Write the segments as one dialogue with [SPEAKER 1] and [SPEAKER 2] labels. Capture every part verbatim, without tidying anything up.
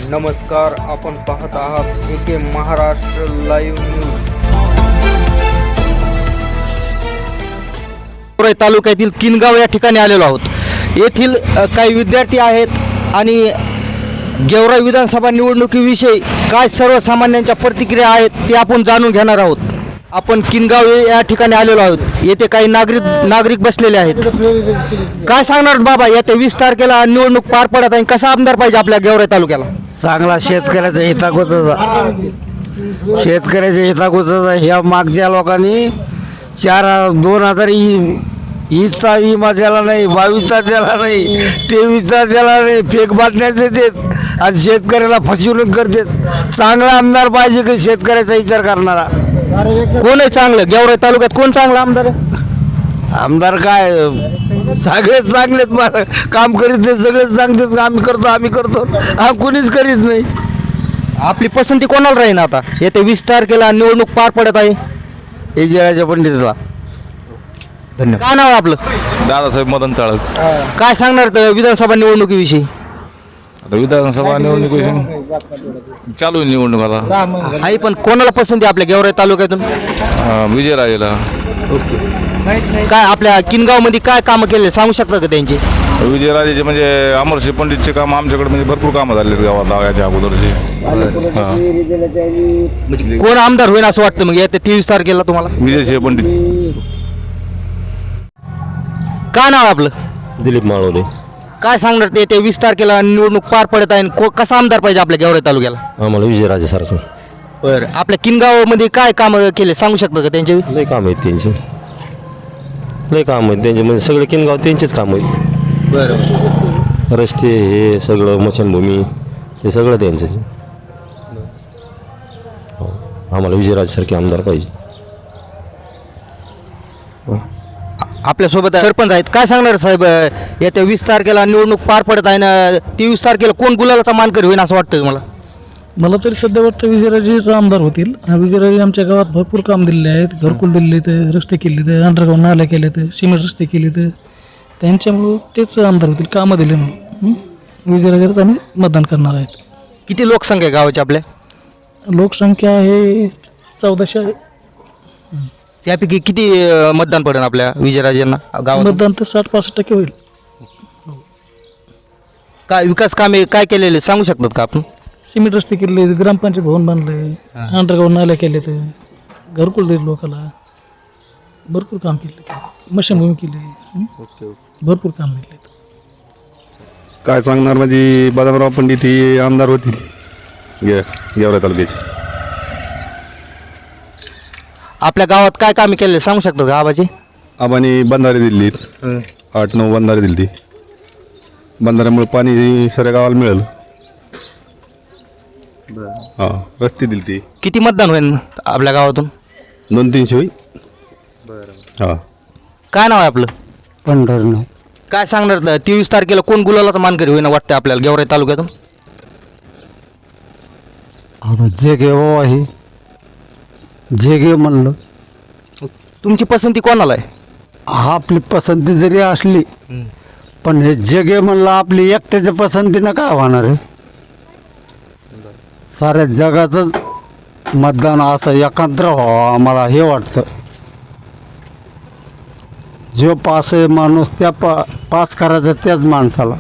[SPEAKER 1] नमस्कार, आपण पाहत आहात A K Maharashtra live news.
[SPEAKER 2] Georai तालुक्यातील किनगाव या ठिकाणी आलेलो आहोत. येथील अ, काही विद्यार्थी आहेत आणि गेवराई विधानसभा निवडणुकीविषयी काय सर्वसामान्यांच्या प्रतिक्रिया आहेत ते आपण जाणून घेणार आहोत. आपण किनगाव या ठिकाणी आलेलो आहोत. येथे काही नागरिक नागरिक बसलेले आहेत. काय सांगणार बाबा, येत्या वीस तारखेला निवडणूक पार पडत आहे, कसा आमदार पाहिजे आपल्या गेवराई तालुक्याला?
[SPEAKER 3] चांगला शेतकऱ्याचा हिताकोचा शेतकऱ्याच्या हिताकोचा ह्या मागच्या लोकांनी चार दोन हजार वीसचा विमा दिला नाही, बावीसचा दिला नाही, तेवीसचा दिला नाही, फेक बाटण्या देतात आणि शेतकऱ्याला फसवणूक करतात. चांगला आमदार पाहिजे की शेतकऱ्याचा विचार करणारा.
[SPEAKER 2] कोण आहे चांगलं गेवराई तालुक्यात? कोण चांगला आमदार आहे?
[SPEAKER 3] आमदार काय सगळेच चांगलेच मला काम करीत नाही, सगळेच सांगतात आम्ही करतो आम्ही करतो, हा कोणीच करीत नाही.
[SPEAKER 2] आपली पसंती कोणाला राहील आता येत्या वीस तारखेला निवडणूक पार पडत आहे?
[SPEAKER 3] विजयाच्या पंडितला.
[SPEAKER 2] धन्यवाद. काय नाव आहे आपलं?
[SPEAKER 4] दादासाहेब मदन चाळक.
[SPEAKER 2] काय सांगणार त- विधानसभा निवडणुकीविषयी?
[SPEAKER 4] आता विधानसभा निवडणुकीची चालू आहे निवडणूक आता.
[SPEAKER 2] आहे, पण कोणाला पसंती आपल्या गेवराई तालुक्यातून?
[SPEAKER 4] अं, विजयराजेला.
[SPEAKER 2] काय आपल्या किनगाव मध्ये काय कामं केले सांगू शकता का त्यांची?
[SPEAKER 4] विजयराजेचे म्हणजे अमरसिंह पंडितचे काम आमच्याकडे म्हणजे भरपूर कामं झालेत गावात याच्या अगोदरचे. हां,
[SPEAKER 2] म्हणजे कोण आमदार होईल असं वाटतं मग येत्या तेवीस तारखेला तुम्हाला?
[SPEAKER 4] विजयसिंह पंडित.
[SPEAKER 2] काय नाव आहे आपलं?
[SPEAKER 5] दिलीप माळवदे.
[SPEAKER 2] काय सांगणार ते ते वीस तारखेला निवडणूक पार पडत आहे, को- कसा आमदार पाहिजे आपल्या गेवराई तालुक्याला?
[SPEAKER 5] आम्हाला विजयराजे सारखं
[SPEAKER 2] बरं, आपल्या किनगाव मध्ये काय कामं केले सांगू शकता का त्यांचे?
[SPEAKER 5] लय काम आहेत त्यांचे, लय काम आहेत त्यांचे, म्हणजे सगळे किनगाव त्यांचेच काम आहेत.
[SPEAKER 2] बरं,
[SPEAKER 5] रस्ते हे सगळं मशनभूमी हे सगळं त्यांचं. हो, आम्हाला विजयराजेसारखे आमदार पाहिजे.
[SPEAKER 2] आपल्यासोबत सरपंच आहेत. काय सांगणार साहेब, येत्या वीस तारखेला निवडणूक पार पडत आहे ना, तेवीस तारखेला कोण गुलालाचा मानकरी होईल असं वाटतं तुम्हाला?
[SPEAKER 6] मला तरी सध्या वाटतं विजयराजेच आमदार होतील. विजयराजे आमच्या गावात भरपूर काम दिलेले आहेत, घरकुल दिलेले आहेत, रस्ते केले आहेत, अंडरग्राऊंड नाल्या केले आहेत, सिमेंट रस्ते केले आहेत. त्यांच्यामुळं तेच आमदार होतील, कामं दिले म्हणून विजयराजेलाच आम्ही मतदान करणार आहेत.
[SPEAKER 2] किती लोकसंख्या आहे गावाची आपल्या?
[SPEAKER 6] लोकसंख्या आहे चौदाशे आहे.
[SPEAKER 2] त्यापैकी किती अं, मतदान पडेल आपल्या विजयराजेंना गावात?
[SPEAKER 6] मतदान तर साठ पासष्ट टक्के होईल.
[SPEAKER 2] काय विकास कामे काय केलेले सांगू शकतात का आपण?
[SPEAKER 6] सिमेंट रस्ते केले, ग्रामपंचायत भवन बांधले, अंडरग्राऊंड नाल्या केले, तर घरकुल दिले लोकांना, भरपूर काम केले, मशीनभूमी केली, भरपूर काम केले.
[SPEAKER 7] काय सांगणार म्हणजे बदामराव पंडित हे आमदार होतील गे गेवराई तालुक्याचे.
[SPEAKER 2] आपल्या गावात काय कामे केले सांगू शकतात का आबाजी?
[SPEAKER 7] आबांनी बंधारे दिलीत, आठ नऊ बंधारे दिली. बंधाऱ्यामुळे पाणी सगळ्या गावाला मिळेल. हां, रस्ते दिली ती
[SPEAKER 2] किती मतदान होईल आपल्या गावातून?
[SPEAKER 7] दोन तीनशे होईल. हां,
[SPEAKER 2] काय नाव आहे आपलं?
[SPEAKER 3] पंढरनाथ.
[SPEAKER 2] काय सांगणार तेवीस तारखेला कोण गुलालाचा मानकरी होईना वाटतं आपल्याला गेवराई तालुक्यातून?
[SPEAKER 3] आता जे घे हो आहे जे घे म्हणलं.
[SPEAKER 2] तुमची पसंती कोणाला आहे?
[SPEAKER 3] हा, आपली पसंती जरी असली पण हे जे घे म्हणलं आपली एकट्याच्या पसंतीनं काय होणार आहे? साऱ्या जगाचं मतदान असं एकत्र व्हावं आम्हाला हे वाटतं. जो पास आहे माणूस त्या पा पास करायचा त्याच माणसाला,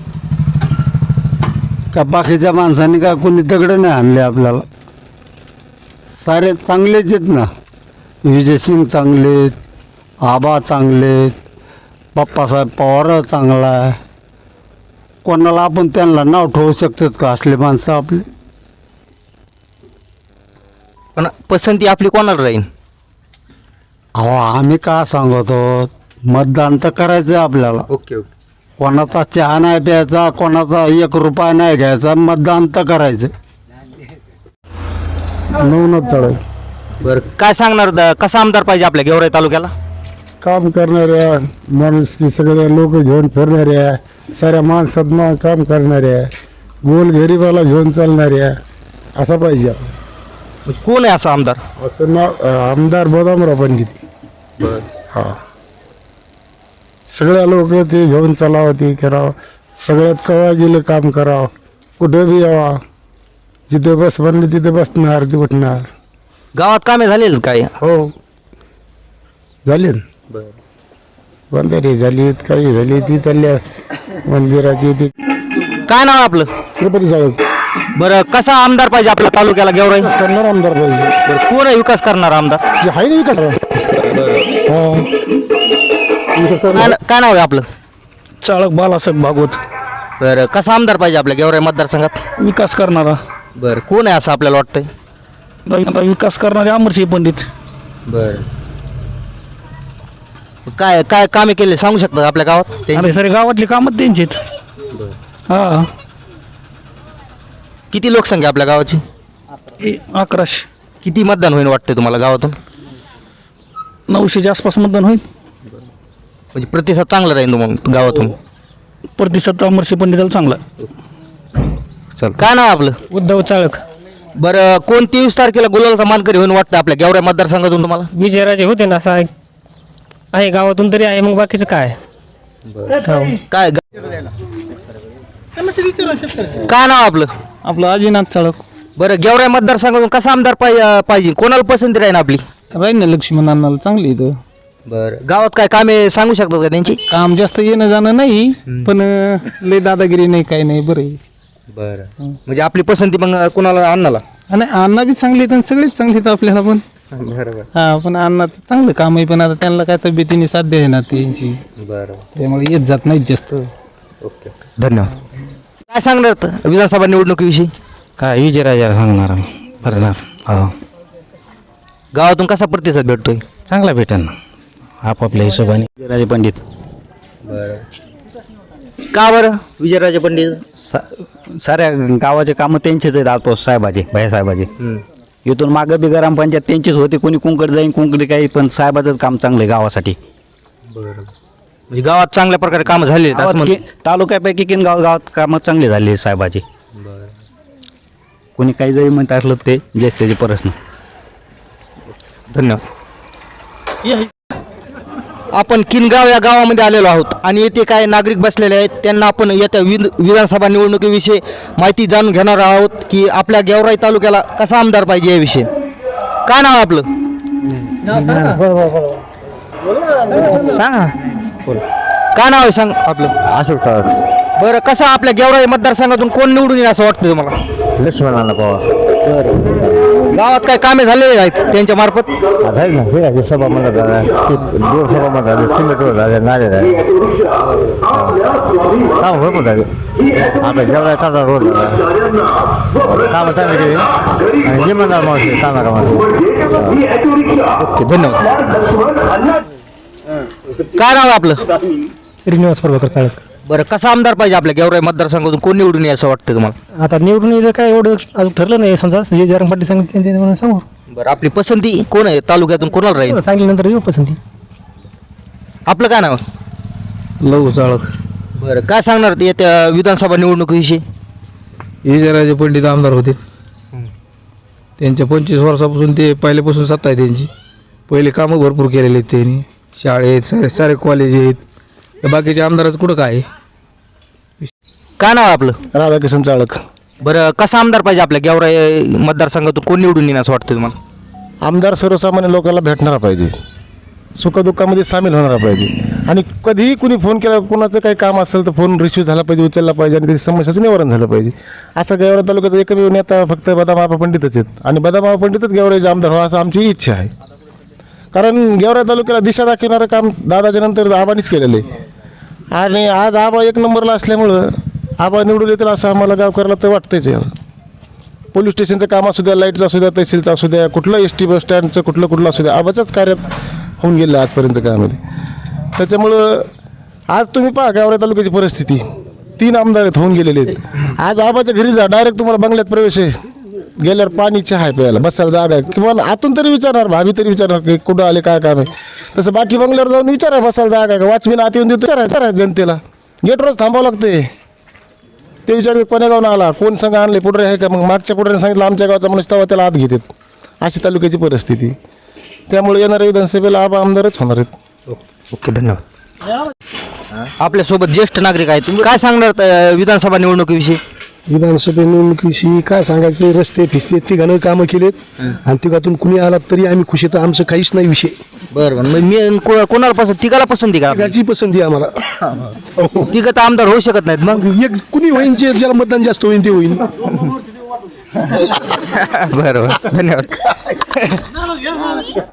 [SPEAKER 3] का बाकीच्या माणसांनी काय कोणी दगड नाही आणले आपल्याला. सारे चांगलेच आहेत ना. विजयसिंग चांगलेत, आबा चांगलेत, बाप्पासाहेब पवार चांगला आहे. कोणाला आपण त्यांना नाव ठेवू शकतात का असले माणसं आपली?
[SPEAKER 2] पण पसंती आपली कोणाला राहील?
[SPEAKER 3] अहो, आम्ही का सांगतो, मतदान तर करायचं आहे आपल्याला.
[SPEAKER 2] Okay okay.
[SPEAKER 3] कोणाचा चहा नाही प्यायचा, कोणाचा एक रुपया नाही घ्यायचा, मतदान तर करायचं. नवनाथ चढाई.
[SPEAKER 2] बरं, काय सांगणार द- कसा आमदार पाहिजे आपल्या गेवराई तालुक्याला?
[SPEAKER 8] काम करणाऱ्या माणूस की सगळे लोक घेऊन फिरणाऱ्या, साऱ्या माणसात मा काम करणाऱ्या, गोल गरिबाला घेऊन चालणाऱ्या असा पाहिजे.
[SPEAKER 2] म्हणजे कोण आहे असा आमदार?
[SPEAKER 8] असं नाव आमदार बदामराव पंडित. हां, सगळ्या लोक ते घेऊन चालावं, ते करावं, सगळ्यात कवा गेलं काम करावं, कुठं बी यावा, जिथे बस बनली तिथे बसणार ते उठणार.
[SPEAKER 2] गावात कामे झालेली काय?
[SPEAKER 8] हो झाले ना, बंधारे झालीत, काही झाली ती त्याल्या मंदिराची ती.
[SPEAKER 2] काय नाव आहे आपलं?
[SPEAKER 8] श्रीपती चाळक
[SPEAKER 2] बरं, कसा आमदार पाहिजे आपल्या तालुक्याला गेवराई?
[SPEAKER 8] करणार आमदार पाहिजे.
[SPEAKER 2] बरं, कोण आहे विकास करणार आमदार?
[SPEAKER 8] जे आहे ना विकास. हा विकास करणार.
[SPEAKER 2] काय काय नाव आहे आपलं?
[SPEAKER 3] चाळक बालासाहेब भागवत.
[SPEAKER 2] बरं, कसा आमदार पाहिजे आपल्या गेवराई मतदारसंघात?
[SPEAKER 3] विकास करणारा.
[SPEAKER 2] बरं, कोण आहे असं आपल्याला वाटतंय?
[SPEAKER 3] आता विकास करणारे अमरसिंह पंडित.
[SPEAKER 2] बरं, काय काय कामे केले सांगू शकता आपल्या गावात त्यांची?
[SPEAKER 3] आणि सर गावातली कामं त्यांची हा.
[SPEAKER 2] किती लोकसंख्या आपल्या गावाची?
[SPEAKER 3] ए, अकराशे
[SPEAKER 2] किती मतदान होईल वाटते तुम्हाला गावातून?
[SPEAKER 3] नऊशेच्या आसपास मतदान होईल.
[SPEAKER 2] म्हणजे प्रतिसाद चांगला राहील मग गावातून?
[SPEAKER 3] प्रतिसाद अमरसिंह पंडिताला चांगला.
[SPEAKER 2] चल, काय नाव आपलं?
[SPEAKER 3] उद्धव चाळक.
[SPEAKER 2] बरं, कोण तेवीस तारखेला गुलालचा मानकरी होऊन वाटतं आपल्या गेवराई मतदारसंघातून तुम्हाला?
[SPEAKER 9] विजयराजे होते ना, असं आहे आहे गावातून तरी आहे, मग बाकीचं काय?
[SPEAKER 2] काय गा- काय नाव आपलं?
[SPEAKER 3] आपलं अजिनाथ चाळक.
[SPEAKER 2] बरं, गेवराई मतदारसंघातून कसा आमदार पाहिजे पाहिजे कोणाला पसंती राहील आपली?
[SPEAKER 3] राहील ना लक्ष्मण अण्णाला चांगली इथं.
[SPEAKER 2] बरं, गावात काय कामे सांगू शकतात का त्यांची?
[SPEAKER 3] काम जास्त येणं जाणं नाही, पण अं, लय दादागिरी नाही, काही नाही, बरं आहे.
[SPEAKER 2] बरं, म्हणजे आपली पसंती मग कोणाला? अण्णाला.
[SPEAKER 3] आणि अण्णा बी चांगली आहेत आणि सगळेच चांगले आहेत आपल्याला पण.
[SPEAKER 2] बरोबर.
[SPEAKER 3] हा, पण अण्णाचं चांगलं काम आहे, पण आता त्यांना काय तब्येतीने साध्य आहे ना त्यांची,
[SPEAKER 2] बरं,
[SPEAKER 3] त्यामुळे येत जात नाहीत जास्त.
[SPEAKER 2] ओके, धन्यवाद. काय सांगणार आता विधानसभा निवडणुकीविषयी?
[SPEAKER 3] काय विजयराजा सांगणार भरणार. हो,
[SPEAKER 2] गावातून कसा प्रतिसाद भेटतोय?
[SPEAKER 3] चांगला भेटेल ना आपापल्या हिशोबाने. विजयराजे पंडित.
[SPEAKER 2] का बरं विजयराजे पंडित?
[SPEAKER 3] साऱ्या गावाचे कामं त्यांचेच आहेत. आतो साहेबाचे, भाईसाहेबाचे. इथून मागं बी ग्रामपंचायत त्यांचीच होती, कोणी कुंकड जाईन कुंकडी काही, पण साहेबाचंच काम चांगलं आहे गावासाठी.
[SPEAKER 2] म्हणजे गावात चांगल्या प्रकारे कामं झाली आहेत असं
[SPEAKER 3] गावात
[SPEAKER 2] म्हणतो.
[SPEAKER 3] कि- तालुक्यापैकी किन गाव गावात कामं चांगली झाली आहेत साहेबाची. कोणी काही जरी म्हणत असलं ते जेच त्याचे प्रश्न.
[SPEAKER 2] धन्यवाद. आपण किनगाव या गावामध्ये आलेलो आहोत आणि येथे काय नागरिक बसलेले आहेत, त्यांना आपण येत्या विध विधानसभा निवडणुकीविषयी माहिती जाणून घेणार आहोत की आपल्या गेवराई तालुक्याला कसा आमदार पाहिजे याविषयी. काय नाव आहे आपलं? सांगा. काय नाव आहे सांग आपलं?
[SPEAKER 8] अशोक चाळक.
[SPEAKER 2] बरं, कसं आपल्या गेवराई मतदारसंघातून कोण निवडून येईल असं वाटतं तुम्हाला?
[SPEAKER 8] लक्ष्मण अण्णा पवार.
[SPEAKER 2] गावात काय कामे झालेले आहेत त्यांच्या मार्फत?
[SPEAKER 8] आहे ना, हे आहे सभा म्हणत दोन सभा म्हणत सिमेंट झाले, नाले झाले, काम भरपूर झाले. आता जेवढा चांगला रोड झाला, कामं चांगली केली आणि जिम्मेदार माणूस चांगला कामाला.
[SPEAKER 2] ओके, धन्यवाद. काय नाव आहे आपलं?
[SPEAKER 6] श्रीनिवास प्रभाकर चाळक.
[SPEAKER 2] बरं, कसा आमदार पाहिजे आपल्या गेवराई मतदारसंघातून कोण निवडून येईल असं वाटतं तुम्हाला?
[SPEAKER 6] आता निवडून यायचं काय एवढं अजून ठरलं नाही, समजा जे जरंग पाटील सांगितलं त्यांच्या म्हणून सांगू.
[SPEAKER 2] बरं, आपली पसंती कोण आहे तालुक्यातून कोणाला राहील?
[SPEAKER 6] सांगितल्यानंतर येऊ पसंती.
[SPEAKER 2] आपलं काय नाव?
[SPEAKER 3] लघु चाळक.
[SPEAKER 2] बरं, काय सांगणार ते येत्या विधानसभा निवडणुकीविषयी?
[SPEAKER 3] विजयराजे पंडित आमदार होते. त्यांच्या पंचवीस वर्षापासून ते पहिल्यापासून सत्ता आहे त्यांची. पहिले कामं भरपूर केलेले आहेत त्यांनी. शाळेत सारे सारे कॉलेज आहेत. बाकीचे आमदाराचं कुठं काय?
[SPEAKER 2] काय नाव आहे आपलं?
[SPEAKER 8] राधाकिशन चाळक.
[SPEAKER 2] बरं, कसा आमदार पाहिजे आपल्या गेवराई मतदारसंघातून कोण निवडून येईल असं वाटतं तुम्हाला?
[SPEAKER 8] आमदार सर्वसामान्य लोकांना भेटणारा पाहिजे, सुखदुःखामध्ये सामील होणारा पाहिजे आणि कधीही कुणी फोन केला, कुणाचं काही काम असेल तर फोन रिसिव्ह झाला पाहिजे, उचलला पाहिजे आणि त्याची समस्याचं निवारण झालं पाहिजे. असा गेवराई तालुक्याचा एकमेव नेता फक्त बदामाबा पंडितच आहेत आणि बदामाबा पंडितच गेवराईचे आमदार व्हावं असं आमची इच्छा आहे. कारण गेवराई तालुक्याला दिशा दाखवणारं काम दादाच्या नंतर आबानीच केलेलं आहे आणि आज आबा एक नंबरला असल्यामुळं आबा निवडून येतील असं आम्हाला गावकऱ्याला तर वाटतंच आहे. पोलीस स्टेशनचं काम असू द्या, लाईटचं असू द्या, तहसीलचं असू द्या, कुठलं एस टी बस स्टँडचं कुठलं कुठलं असू द्या, आबाच्याच कार्यात होऊन गेलं आजपर्यंत कामामध्ये. त्याच्यामुळं आज तुम्ही पहा गेवराई तालुक्याची परिस्थिती, तीन आमदार आहेत होऊन गेलेले आहेत. आज आबाच्या घरी जा, डायरेक्ट तुम्हाला बंगल्यात प्रवेश आहे, गेल्यावर पाणी चहा आहे प्यायला, बसायला जागा आहे, किंवा आतून तरी विचारणार, भाभी तरी विचारणार की कुठं आले काय काम आहे. तसं बाकी बंगल्यावर जाऊन विचारा बसायला जागा आहे का, वॉचमॅन आत येऊन देतो विचारा जनतेला, गेटवरच थांबावं लागते. ते विचारतात कोण्या गावून आला, कोण संघ आणले, पुढे आहे का, मग मागच्या पुढे सांगितलं आमच्या गावचा माणूस तेव्हा त्याला आत घेतात. अशी तालुक्याची परिस्थिती. त्यामुळे येणाऱ्या विधानसभेला आबा आमदारच होणार आहेत.
[SPEAKER 2] ओके, धन्यवाद. आपल्यासोबत ज्येष्ठ नागरिक आहेत, तुम्ही काय सांगणार त्या विधानसभा निवडणुकीविषयी?
[SPEAKER 8] विधानसभा निवडणुकीविषयी काय सांगायचं, रस्ते फिस्ते तिघानं कामं केलेत आणि तिघातून कुणी आला तरी आम्ही खुशी, तर आमचं काहीच नाही विषय.
[SPEAKER 2] बरं बरं मग मी को- कोणाला पसंत तिघाला पसंती का
[SPEAKER 8] तिघाची पसंती आहे आम्हाला.
[SPEAKER 2] तिघं तर आमदार होऊ शकत नाहीत मग.
[SPEAKER 8] मग एक कुणी होईन, जे ज्याला मतदान जास्त होईल ते होईल.
[SPEAKER 2] बरं बरं धन्यवाद.